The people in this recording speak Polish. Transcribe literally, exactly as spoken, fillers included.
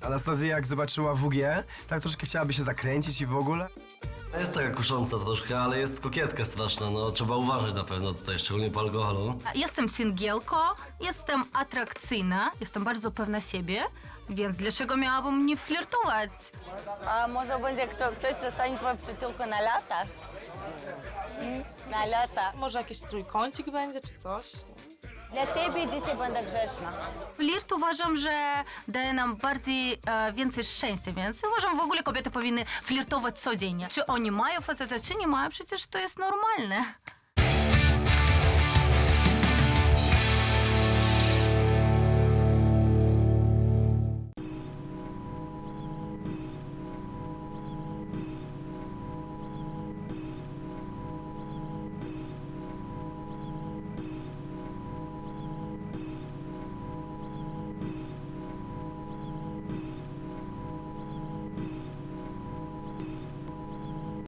Anastazja jak zobaczyła W G, tak troszkę chciałaby się zakręcić i w ogóle. Jest taka kusząca troszkę, ale jest kokietka straszna, no trzeba uważać na pewno tutaj, szczególnie po alkoholu. Jestem singielką, jestem atrakcyjna, jestem bardzo pewna siebie, więc dlaczego miałabym nie flirtować? A może będzie kto, ktoś zostanie twoją przyjaciółką na lata? Mm, na lata. Może jakiś trójkącik będzie, czy coś? Dla ciebie dzisiaj będę grzeczna. Flirt uważam, że daje nam bardziej e, więcej szczęścia, więc uważam w ogóle kobiety powinny flirtować codziennie. Czy oni mają faceta, czy nie mają, przecież to jest normalne.